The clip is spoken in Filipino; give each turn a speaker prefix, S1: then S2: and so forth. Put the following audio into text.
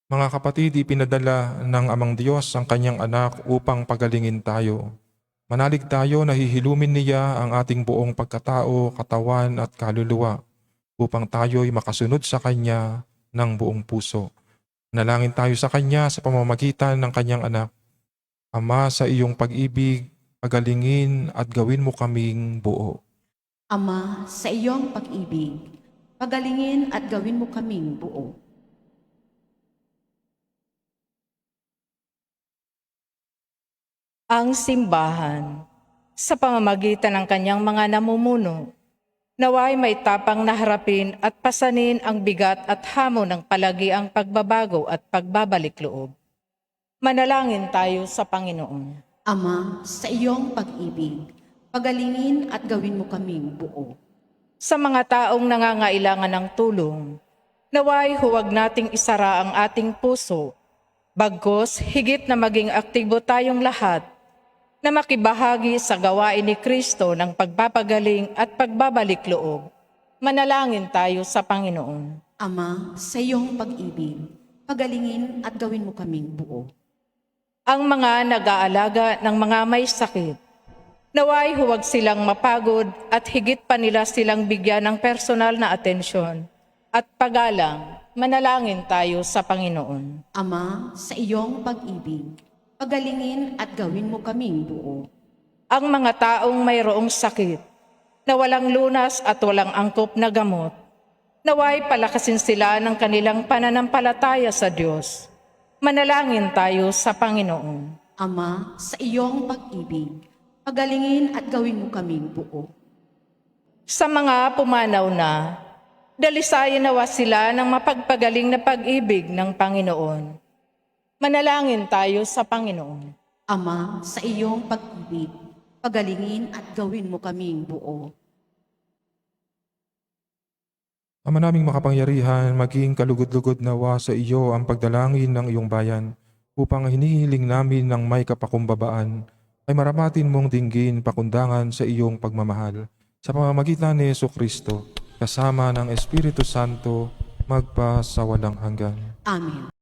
S1: Mga kapatid, ipinadala ng Amang Diyos ang kanyang anak upang pagalingin tayo. Manalig tayo na hihilumin niya ang ating buong pagkatao, katawan at kaluluwa upang tayo'y makasunod sa kanya ng buong puso. Nalangin tayo sa kanya sa pamamagitan ng kanyang anak. Ama, sa iyong pag-ibig, pagalingin at gawin mo kaming buo.
S2: Ama, sa iyong pag-ibig, pagalingin at gawin mo kaming buo.
S3: Ang simbahan, sa pamamagitan ng kanyang mga namumuno, naway may tapang na harapin at pasanin ang bigat at hamon ng palagiang pagbabago at pagbabalik loob. Manalangin tayo sa Panginoon.
S2: Ama, sa iyong pag-ibig, pagalingin at gawin mo kaming buo.
S3: Sa mga taong nangangailangan ng tulong, naway huwag nating isara ang ating puso, bagkus higit na maging aktibo tayong lahat na makibahagi sa gawain ni Kristo ng pagpapagaling at pagbabalik loob. Manalangin tayo sa Panginoon.
S2: Ama, sa iyong pag-ibig, pagalingin at gawin mo kaming buo.
S3: Ang mga nag-aalaga ng mga may sakit, naway huwag silang mapagod at higit pa nila silang bigyan ng personal na atensyon at paggalang. Manalangin tayo sa Panginoon.
S2: Ama, sa iyong pag-ibig, pagalingin at gawin mo kaming buo.
S3: Ang mga taong mayroong sakit, na walang lunas at walang angkop na gamot, naway palakasin sila ng kanilang pananampalataya sa Diyos. Manalangin tayo sa Panginoon.
S2: Ama, sa iyong pag-ibig, pagalingin at gawin mo kaming buo.
S3: Sa mga pumanaw na, dalisayan nawa sila ng mapagpagaling na pag-ibig ng Panginoon. Manalangin tayo sa Panginoon.
S2: Ama, sa iyong pag-ibig, pagalingin at gawin mo kaming buo.
S1: Ama naming makapangyarihan, maging kalugod-lugod nawa sa iyo ang pagdalangin ng iyong bayan upang hinihiling namin ng may kapakumbabaan ay maramatin mong dinggin pakundangan sa iyong pagmamahal sa pamamagitan ni Jesucristo kasama ng Espiritu Santo magpa sa walang hanggan.
S2: Amen.